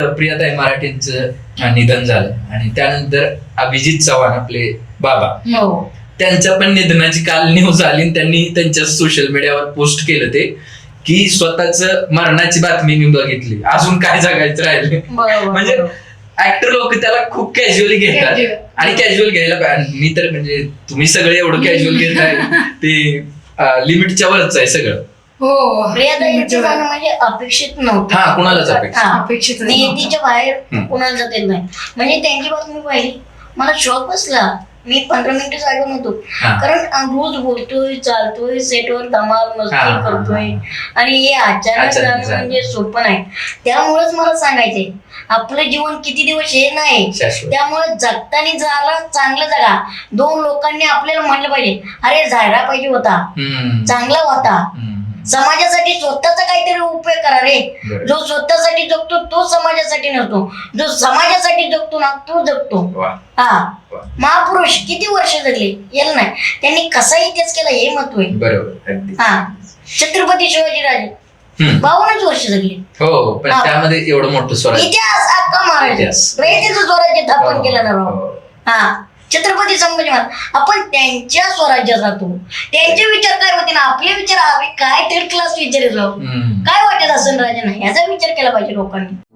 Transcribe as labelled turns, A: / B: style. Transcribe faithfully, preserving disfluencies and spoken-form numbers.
A: प्रियाताई मराठेंचं निधन झालं आणि त्यानंतर अभिजित चव्हाण आपले बाबा,
B: हो
A: त्यांच्या पण निधनाची काल न्यूज आली आणि त्यांनी त्यांच्या सोशल मीडियावर पोस्ट केलं ते की स्वतःच मरणाची बातमी मी बघितली, अजून काय जगायचं राहिले.
B: बरोबर.
A: म्हणजे ऍक्टर लोक त्याला खूप कॅज्युअली घेतात आणि कॅज्युअल घ्यायला पाहिजे. मी तर म्हणजे तुम्ही सगळे एवढं कॅज्युअल घेताय ते लिमिटच्या वरच आहे सगळं.
B: हो
C: प्रियाताईंचं जाणं म्हणजे अपेक्षित नव्हतं.
A: हा, कुणालाच अपेक्षित
C: हा.
B: अपेक्षित
C: नियतीच्या बाहेर
A: हम्म.
C: कुणाला जात येत नाही. म्हणजे त्यांची बातमी पाहिली, मला शॉक बसला. मी पंधरा मिनिटं जागा नव्हतो,
A: हा.
C: कारण रोज बोलतोय, चालतोय, सेटवर धमाल
A: हा,
C: मस्ती
A: हा,
C: करतोय
A: हा.
C: आणि हे अचानक
A: अचानक
C: जाणं
A: झालं.
C: म्हणजे सोपं नाही. त्यामुळेच मला सांगायचंय, आपलं जीवन किती दिवस हे नाही,
A: शाश्वत.
C: त्यामुळे जगताना झाला चांगलं जगा. दोन लोकांनी आपल्याला म्हणलं पाहिजे, अरे जायला पाहिजे होता,
A: हम्म.
C: चांगला होता.
A: हम्म.
C: समाजासाठी स्वतःचा काहीतरी उपयोग करा रे.
A: बरोबर.
C: जो स्वतःसाठी जगतो तो समाजासाठी नसतो, जो समाजासाठी जगतो ना तो जगतो.
A: वा.
C: हा,
A: वा.
C: महापुरुष किती वर्ष जगले याला नाही, त्यांनी कसा इतिहास केला हे महत्व आहे.
A: बरोबर, अगदी.
C: हा, छत्रपती शिवाजीराजे
A: हम्म.
C: बावन्नच वर्ष जगले.
A: हो, पण
C: हा.
A: त्यामध्ये एवढं मोठं स्वराज्य.
C: इतिहास अख्खा महाराज
A: इतिहास.
C: रयतेचं स्वराज्य स्थापन
A: हो,
C: केलं ना राव.
A: हो.
C: हा, छत्रपती संभाजी महाराज. आपण त्यांच्या स्वराज्यात राहतो, त्यांचे विचार काय होते ना, आपले विचार आम्ही काय थर्ड क्लास विचार येतो,
A: हम्म.
C: काय वाटत असेल राजांना याचा विचार केला पाहिजे लोकांनी.